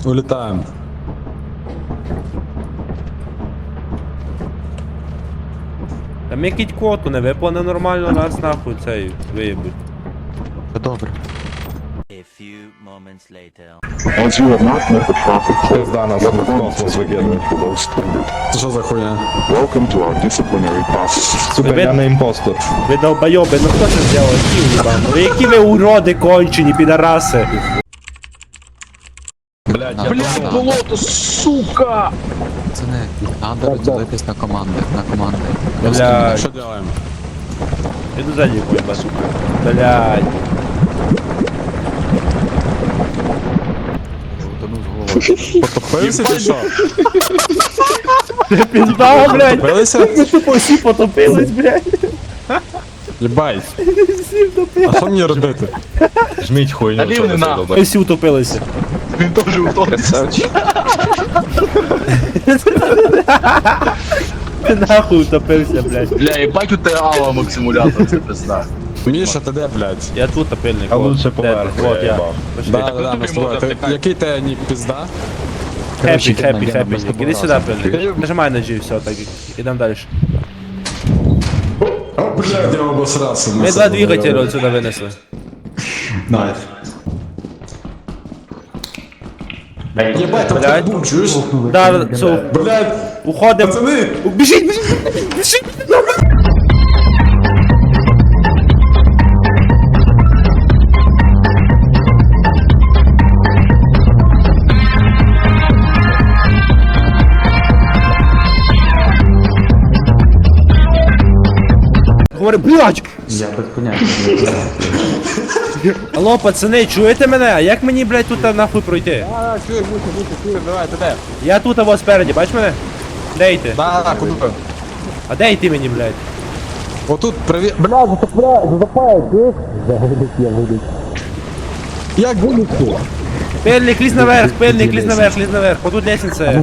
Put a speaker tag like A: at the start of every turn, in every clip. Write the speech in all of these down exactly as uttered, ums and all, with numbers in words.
A: Улетаем.
B: Та ми кіть коту, не виплане нормально, нас нахуй цей виїбуть.
C: Та добре.
D: A few moments later.
E: As you have not met the profit
F: Пизда нас в космос викидує.
A: Це що за хуйня?
E: welcome to our disciplinary process.
F: Сука,
B: Ви-
F: я не імпостер.
B: Ви долбойоби, ну хто це зробив? Які уїбані? Ви які ви уроди кончені, підараси?
F: Блядь, я
C: Блядь,
F: болото, сука!
C: Пацани, треба розділитись на команди, на команди.
B: Блядь,
A: Що делаем?
B: іду за ним, уїба, сука. Блядь.
C: Утонув з головою.
A: Потопився чи що?
B: Пізда, блядь.
A: Потопилися?
B: Ми тупо всі потопились, блядь.
A: Єбать.
B: Всі втопились.
A: А що мені робити?
F: Жміть хуйню,
G: Та
F: що
G: він
F: ви
G: на.
F: задовбаєте.
B: Ми всі утопилися.
G: Він теж утопився.
B: Ти нахуй утопився, блядь.
G: Бля, їбать у тебе алам симулятор, це пизда.
A: Міша, ти де, блядь?
B: Я тут топильник.
F: А
B: от.
F: лучше
B: Де
F: поверху,
B: ти? От
F: я
B: я.
F: їбав.
B: Пошли.
A: Да, да, да, ми з тобою. Ти- Який тебе нік, пізда?
B: Хеппі,
C: Короче,
B: хеппі,
C: Гена,
B: хеппі.
C: без тобою
B: Іди сюди,
C: разом.
B: пильник. Нажимай на G, все, так. Ідем далі.
A: Блядь, я обосрався.
B: Ми два двигателя отсюда винесли.
A: Найс. Єбать, там
B: Блядь.
A: хтось був, чуєш?
B: Да, все,
A: Блядь,
B: уходим.
A: пацани!
B: Біжіть, біжіть, біжіть. Говори, блядь!
C: Я без поняття.
B: Алло, пацани, чуєте мене? А як мені, блядь, тут нахуй пройти?
A: А, чуєш, муся, муся, чуєш, давай, ти де?
B: Я тут, а вас спереді, бач мене? Де йти?
A: Да, да, куди?
B: А де йти мені, блядь?
A: Отут, привіт. Блядь, затопляй, затопляй, чуєш? Загидить, я вийду. Як вилізти?
B: Пельник, лізь наверх, пельник, лізь наверх, лізь наверх. Отут лестниця.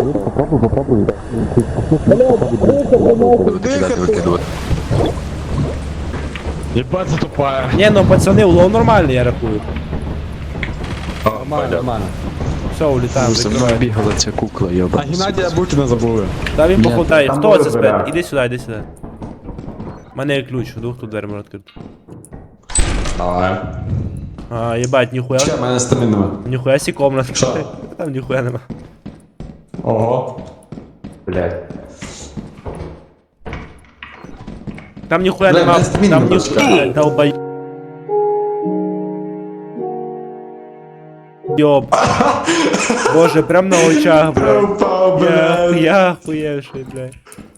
F: Єбать затупає.
B: Ні, ну пацани, улов нормальний, я рахую.
A: Нормально, нормально.
B: Все, улітаємо,
C: За мною
B: закриваємо.
C: бігала ця кукла,
A: А
C: йоба.
A: Геннадія Букіна забули.
B: Та він
C: Ні,
B: походає.
F: там
B: Хто
F: буде
B: це спед?
F: дверя.
B: Іди сюди, іди сюди. У мене є ключ, двох тут двері можна відкрити.
A: Давай.
B: А, єбать, ніхуя.
A: Ще, в мене стамін нема.
B: Ніхуя сі комната.
A: Що?
B: Там ніхуя нема.
A: Ого.
F: Блядь.
B: Там ніхуя
A: Бля,
B: нема.
A: мене стамін
B: Там
A: нема,
B: ніхуя. Долбай. Йоб. Боже, прям на очах, блядь.
A: Упав,
B: Я,
A: блядь.
B: я хуєвший, блядь.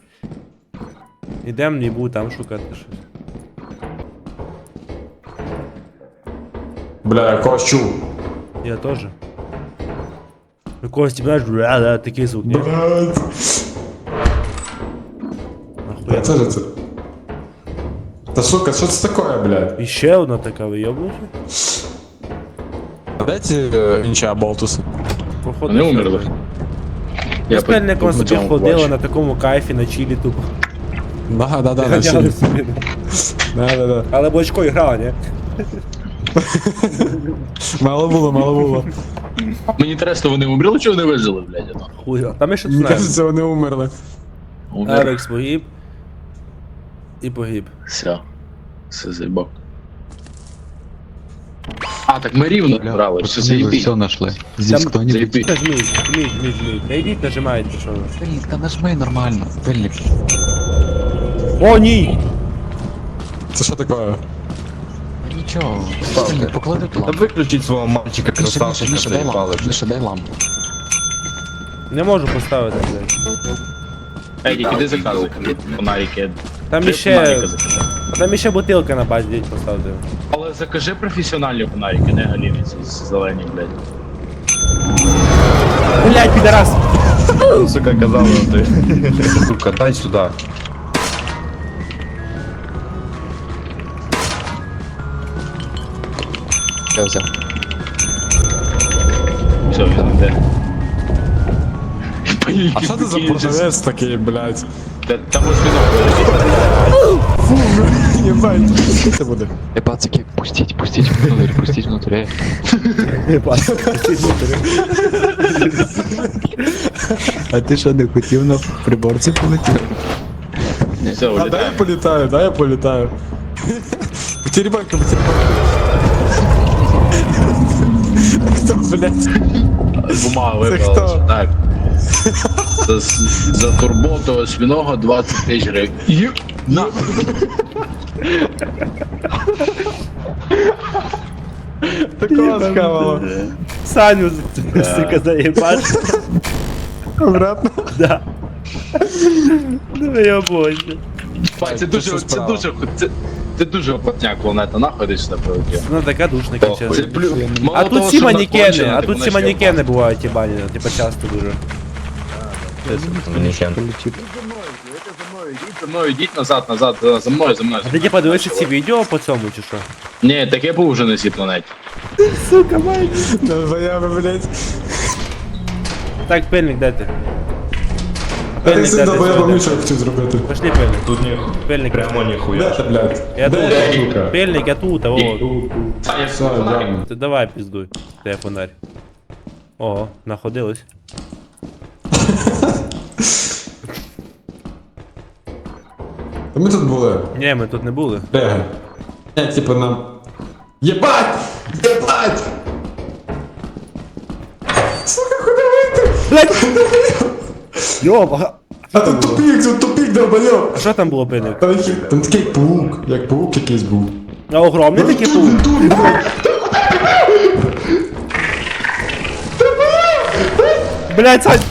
B: Ідем, не буду там шукати щось.
A: Бля, я когось чув.
B: Я теж. Якогось тебе знаєш, да, такий звук, ні?
A: Блядь.
B: Нахуя.
A: Це ж це. Та сука, що це таке, блядь?
B: І ще одна така вийобнуша.
A: Де ці е, інші аболтуси?
B: Походу.
G: Вони умерли.
B: Я з пельником собі
G: цьому
B: ходила
G: бачу.
B: на такому кайфі, на чилі тупо.
A: Да, да, да, на
B: Ганяли
A: сілі.
B: собі.
A: Да, да, да.
B: Але бочко грала, ні?
A: Мало було, мало було.
G: Мені інтересно, вони умерли чи вони вижили, блядь, ото?
B: Хуя. Та ми ще
A: Мені
B: знаємо.
A: кажеться, вони умерли.
G: Умерли.
B: Ерекс погиб. І погиб.
G: Все. Все заїбав. А, так ми рівно брали, все
C: Пацани, ви
G: заїбіть.
C: все знайшли. Зі
B: Там-
C: хто-нибудь.
G: Заїбіть.
B: Нажміть, жміть, жміть, жміть. Та йдіть, нажимайте, що ви.
C: Пильник, та нажми нормально. Пильник.
B: О, ні!
A: Це що таке?
C: Та нічого. Пильник, поклади ту
F: Та
C: лампу.
F: виключіть свого мальчика
C: Міша, Міша,
F: красавчика,
C: Міша, дай
F: заїбали,
C: лампу.
F: блядь.
C: Міша, дай лампу.
B: Не можу поставити, блядь.
G: Едік, іди заказуй. Фонарики.
B: Там
G: Три
B: іще...
G: фонарика закажи.
B: Там іще бутилка на базі, діть поставити.
G: Але закажи професіональні фонарики, не галіни ці зелені, блядь.
B: Блядь, підарас!
F: Сука, казала ти. Сука, дай сюди.
C: Я взяв.
G: Все, він йде.
A: А що це за продавець такий, блядь?
G: Та- Там ось він.
A: Єбать. Це буде.
C: Е, пацики, пустіть, пустіть внутрь, пустіть внутрь.
A: А ти що, не хотів на приборці полетіти?
G: Все,
A: А дай я
G: улітаємо.
A: політаю, дай я політаю. Потеребанка, потеребанка. Хто, блядь?
G: Бумага
A: Це
G: випала.
A: хто?
G: Так. За, за турботу осьмінога двадцять тисяч гривень. Ю- На.
A: Такого схавало.
B: Саню, сука, заєбаш.
A: Обратно.
B: Да. Ну я боже.
G: Це дуже, це дуже, це, це дуже опотняк планета, нахуй десь сюди прилетів.
B: Ну така душна
G: Це
B: кінчена.
G: плю... Мало
B: А тут
G: того,
B: всі
G: що
B: манекени,
G: закончено,
B: а
G: так
B: тут
G: воно
B: всі
G: ще й
B: манекени бувають, їбані, типа часто дуже.
F: Манікен.
G: За мною йдіть назад, назад, за за мною, за мною.
B: А ти типа дивишся ці відео по цьому чи що?
G: Ні, таке був вже на цій планеті.
B: Сука, май.
A: Ну, заяви, блядь.
B: Так, пильник, де ти?
A: А ти
B: Пильник, де
A: син
B: ти?
A: добоєбо
B: Сюди.
A: Міша хотів зробити.
B: Пошли пильник.
F: Тут ні,
B: Пильник.
F: прямо
A: Де
F: ніхуя.
A: ти, блядь?
B: Я тут.
A: Де сука?
B: Пильник, я тут, а вот.
A: Все, дякую.
B: Ти давай піздуй. Де фонарь. Ого, находились.
A: А ми тут були.
B: Ні, ми тут не були.
A: Бегай. Я типу нам... Єбать! Єбать! Сука, куди вийти?
B: Блять! Йоба!
A: А тут тупік, тут тупік, долбойоб!
B: А що там було пильник?
A: Там, який- там такий паук, як паук якийсь був.
B: А огромний такий був? Блять, Сань!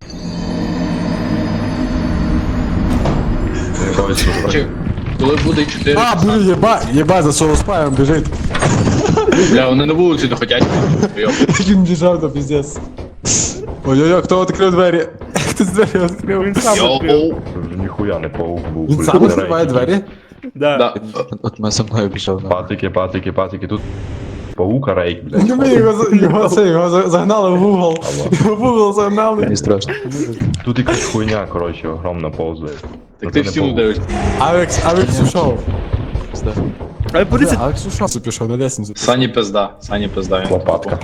G: Чи- Коли буде чотири,
A: А, блін, єбать, єбать, за солоспаєм біжить.
G: бля, вони на вулиці не хотять. Йоп.
A: Він біжав, то піздець. Ой-ой-ой, хто відкрив двері? Хтось двері відкрив.
B: Він сам
G: Йоу.
B: відкрив.
F: Ніхуя не паук був.
A: Він сам відкриває двері?
B: Да.
G: Да.
C: От ми за мною пішов. на.
F: Патики, патики, патики, тут паука рейк, блядь.
A: Ну ми його, за- його, це, його за- загнали в угол. Його в угол загнали.
C: Мені страшно.
F: Тут якась хуйня, коротше, огромна повзає.
G: Так ти всі дивишся.
A: Алекс, Алекс ушов.
B: Ай, поліція!
A: Алекс ушов. Це пішов на лестницю.
G: Сані пизда, Сані пизда. він.
F: Лопатка.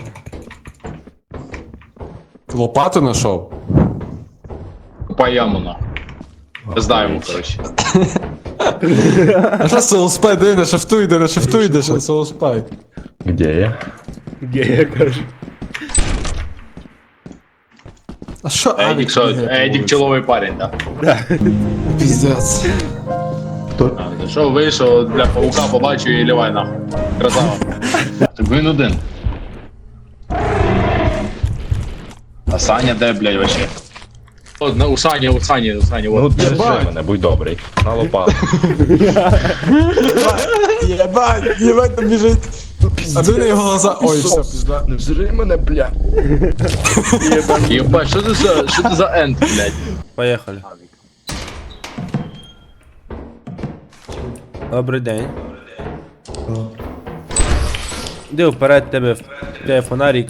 A: Лопату знайшов.
G: Купай яму на. Пизда йому, коротше.
A: А що солоспай, де на шифту йде, на шифту йде, що солоспай.
F: Где я?
B: Гея, каже.
A: А що
G: Едік,
A: Алекс
G: що?
A: бігає по
G: Едік
A: вулиці?
G: чоловий парень, так.
A: Піздець.
G: А, що вийшов, бля, паука побачив і лівай нахуй. Красава. Так він один. А Саня де, блядь, вообще? О, на- у Сані, у Сані, у Сані,
F: Ну
G: от.
F: держи мене, будь добрий. На лопатку.
A: Єбать, єбать там біжить. А ти на його глаза. Ой, все, пізда.
F: Не жри мене, бля.
G: Єбать, що це за, що це за енд, блядь?
B: Поїхали. Добрий день. Іди вперед, тебе, тебе фонарик.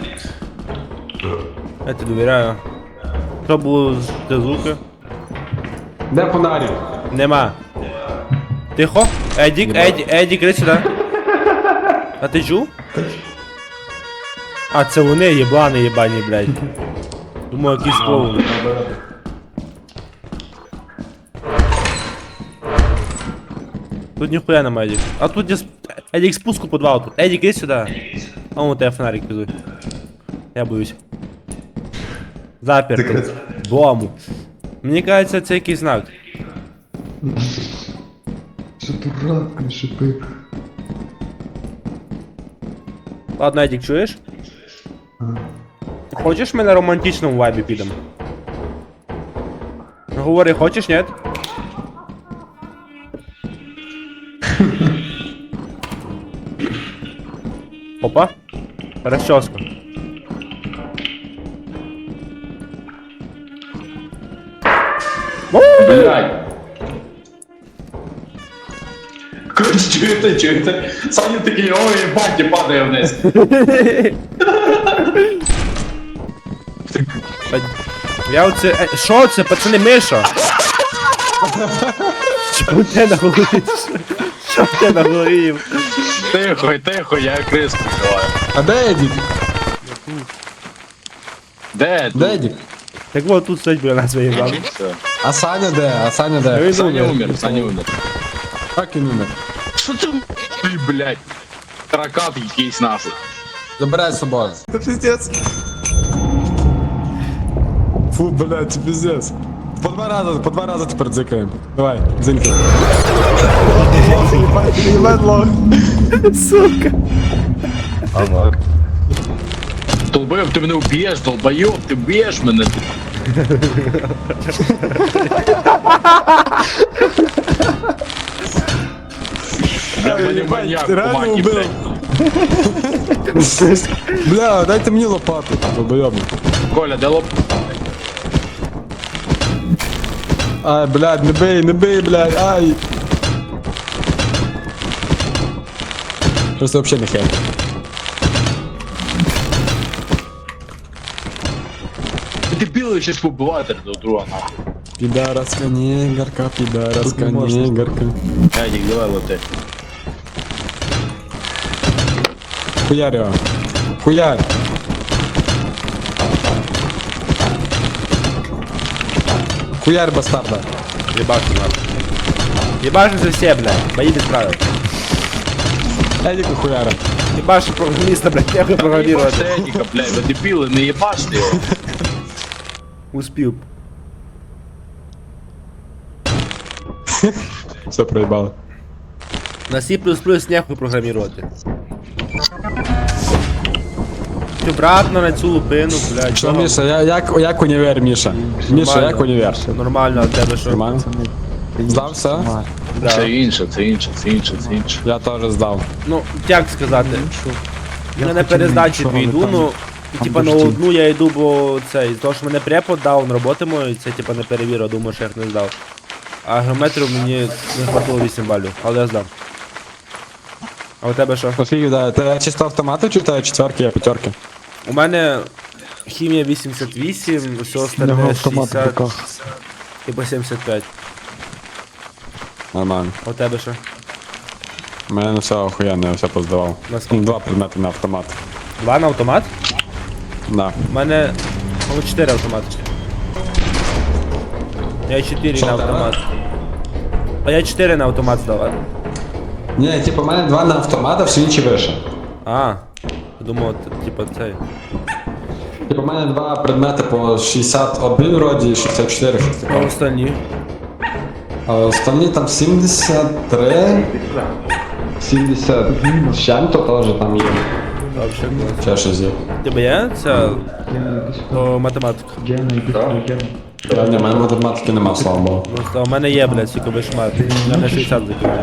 B: Я тобі довіряю. Що було з де звуки?
A: Де фонарик?
B: Нема. Тихо. Едік, Едік, Едік, іди сюди. А ти чув? А, це вони єблани єбані, блядь. Думаю, якийсь клоун. Тут ніхуя нема, Едік. А тут є сп- Едік спуску по два тут. Едік, іди сюди. А вон у тебе фонарик пізуй. Я боюсь. Заперто. Дому. Мені кажеться, це якийсь знак.
A: Що дурак, не шипи.
B: Ладно, Едік, чуєш? Хочеш ми на романтичному вайбі підемо? Ну, говори, хочеш, ні? Опа. Расческа.
G: Блядь. Коротше, чуєте, чуєте? Саня такий, ой, баті падає вниз.
B: Я оце... е, Що це, пацани, Миша? Що в тебе на голові? Що в тебе на голові?
G: Тихо, тихо, я крис прикриваю.
A: А де Едік?
G: Де?
A: Де Едік?
B: Так от тут стоїть біля нас виїжджав.
G: Все.
A: А Саня де? А Саня де?
B: Він
G: Саня
B: умер.
G: умер, Саня умер.
A: Як він умер?
G: Що ти, ти, блядь? Таракат якийсь нахуй.
A: Забирай з собою. Це пиздец. Фу, блядь, це пиздец. По два рази, по два рази тепер дзикаємо. Давай, дзиньки. Єбать лох.
B: Сука.
G: Долбоєб, ти мене вб'єш, долбоєб, ти вб'єш мене. Я мене маньяк,
A: реально
G: кумаки,
A: убив.
G: блядь.
A: Бля, дайте мені лопату, долбойобник.
G: Коля, де лоп?
A: Ай, блядь, не бей, не бей, блядь, ай. Просто вообще не хер.
G: Ти білий щось побивати до друга нахуй.
A: Підараска негерка, підараска негерка.
G: Едік, давай лети.
A: Хуярь його. Хуярь. Хуярь бастарда.
B: Ебашу нахуй. Ебашимся все, блядь. Бои без правил.
A: Едіка хуяра.
B: Ебаши программиста, блядь, нехуй программировать.
G: Єбаште Едіка, блядь, ви дебіли, не єбаште його.
B: Успел.
A: Все проїбало.
B: На C++ нехуй программировать. Обратно на цю лупину, блядь.
A: Що,
B: чого?
A: Міша, я, як, як універ, Міша? Міша,
B: Нормально.
A: як універ?
B: Нормально, а в тебе що?
A: Нормально? Здав все?
B: Да.
G: Це інше, це інше, це інше, це інше.
A: Я теж здав.
B: Ну, як сказати? Я на перездачі дві йду, ну, і, типа на одну я йду, бо цей, того, що мене препод дав, на роботи мої, це типа не перевірив, думаю, що я їх не здав. А геометрію мені не хватило вісім балів, але я здав. А у тебе що?
A: Оскільки, да, ти чисто автомати чи тебе четверки, я п'ятерки?
B: У мене хімія вісімдесят вісім, все остальне шістдесят, типа сімдесят п'ять.
A: Нормально.
B: А у тебе що?
A: У мене все охуєнно, я все поздавав.
B: Наскільки?
A: Два предмети на автомат.
B: Два на автомат?
A: Да.
B: У мене ну, чотири автомати. Я чотири
A: Що
B: на
A: в тебе?
B: автомат. А я чотири на автомат здавав.
A: Ні, типу, у мене два на автомат, а всі інші вище.
B: А, думав, т- типа цей.
A: Типу, у мене два предмети по шістдесят один вроді і шістдесят чотири, щось
B: А
A: таке.
B: остальні?
A: А останні там сімдесят три, сімдесят з чим-то теж там є.
B: Вообще клас.
A: Ще щось є.
B: Тебе є ця о, математика?
A: Я, ні, у мене математики нема, слава Богу.
B: Просто у мене є, блядь, тільки вишмат. Я на шістдесят закинув.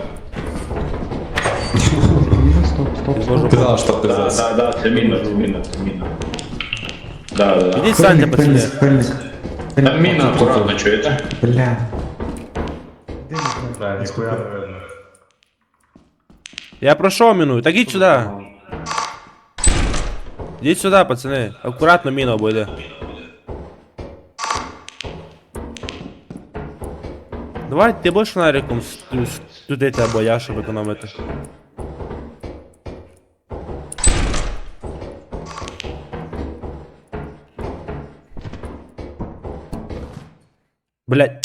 B: Боже,
A: Ти знала, що пиздець.
G: Да, да, це міна, це міна, це міна. Да, да, да.
B: ідіть станьте, пацани.
G: Там міна акуратно, чуєте?
B: Я пройшов міну, так ідь сюди. Ідіть сюди, пацани. Акуратно міну обойде. Давай, ти будеш фонариком сту- студити або я, щоб економити. Блять.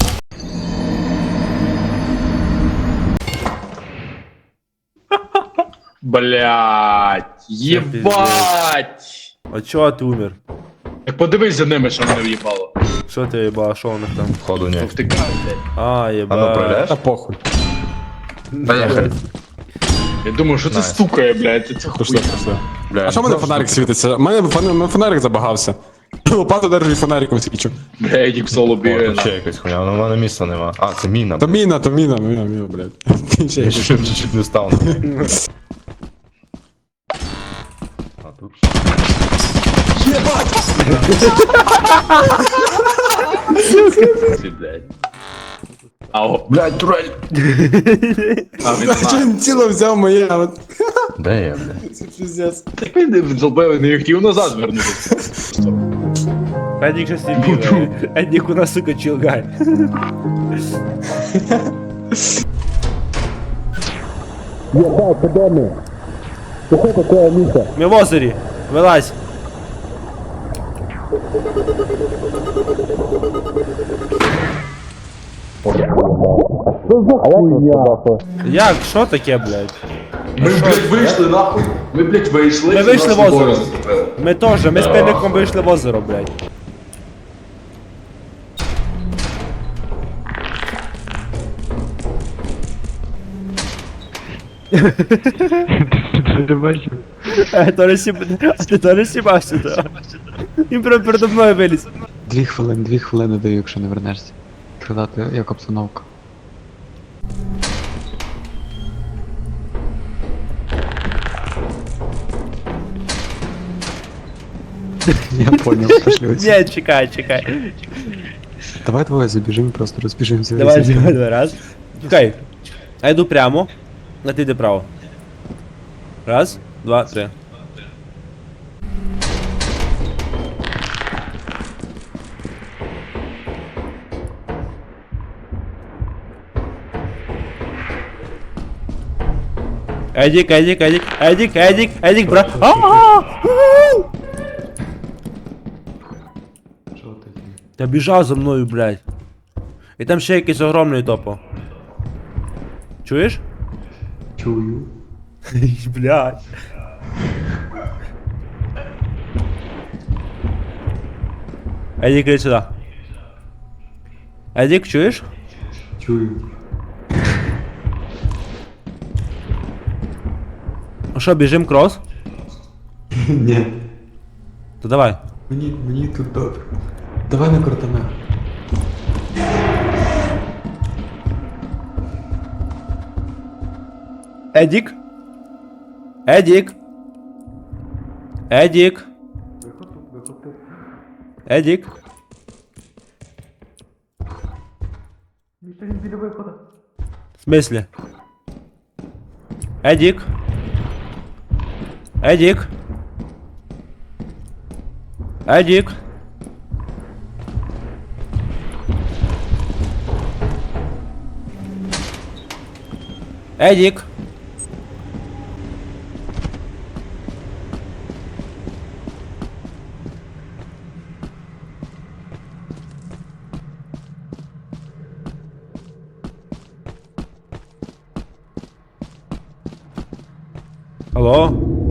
G: Блять, єбать!
B: А чого ти умер?
G: Так подивись за ними, що мене в'їбало.
B: Що ти їбала, що у них там?
F: Ходу ні.
G: Втикай, блядь.
B: А,
F: А ну
B: єба.
F: проляш?
A: Та похуй.
F: Поїхали.
G: Я думаю, що це стукає, блядь, це
A: Пішли,
G: хуйня.
A: пішли.
F: Бля,
A: А що в мене фонарик світиться? У мене фон- у мене фонарик забагався. Лопату держу і фонариком свічу.
G: Бля, Едік соло
F: О,
G: бігає.
F: тут ще якась хуйня, але в мене місця нема. А, це міна.
A: То міна, то міна, міна, міна, блядь. Ще
F: Я
A: якось.
F: ще чуть-чуть не став. А тут.
G: Ти, блядь. Ау.
F: Блядь, турель!
G: А, він
A: Що
G: знає.
A: він ціло взяв моє, а от
F: Де я, блядь?
A: це піздець.
G: Так він зробив, не хотів назад вернутися.
B: Едік щось не бігає. Едік у нас, сука, чилгай. Ми в озері. Вилазь. Як? Що таке, блядь?
G: Ми, блядь, вийшли нахуй. Ми, блядь, вийшли.
B: Ми вийшли
G: нас
B: в озеро.
G: двоє заступили.
B: Ми теж, ми з пильником вийшли в озеро, блядь. Е, то не сіб... А ти то не сібався, то. Він прям передо мною виліз.
C: Дві хвилини, дві хвилини даю, якщо не вернешся. Сказати, як обстановка. Я понял, пошли.
B: Ні, чекай, чекай.
C: Давай двоє забіжимо, просто розбіжимося.
B: Давай, давай, давай, раз. Чекай. Я йду прямо, а ти йди право. Раз, два, три. Едік, Едік, Едік, Едік, Едік, Едік, бра. А-а-а! Та біжав за мною, блядь. І там ще якийсь огромний топо. Чуєш?
C: Чую.
B: Блядь. Едік, иди сюди. Едік, чуєш?
C: Чую.
B: Ну що, біжим крос?
C: Ні.
B: То давай.
C: Мені, мені тут добре. Давай на кортаме.
B: Едік? Едік? Едік? Едік? В смислі? Едік? Едік? Едік? Едік? Алло?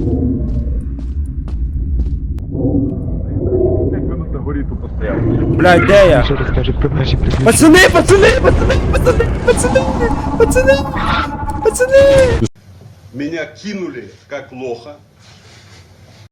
B: Блядь, де я? Пацани, пацани, пацани, пацани, пацани, пацани, пацани!
H: Меня кинули как лоха.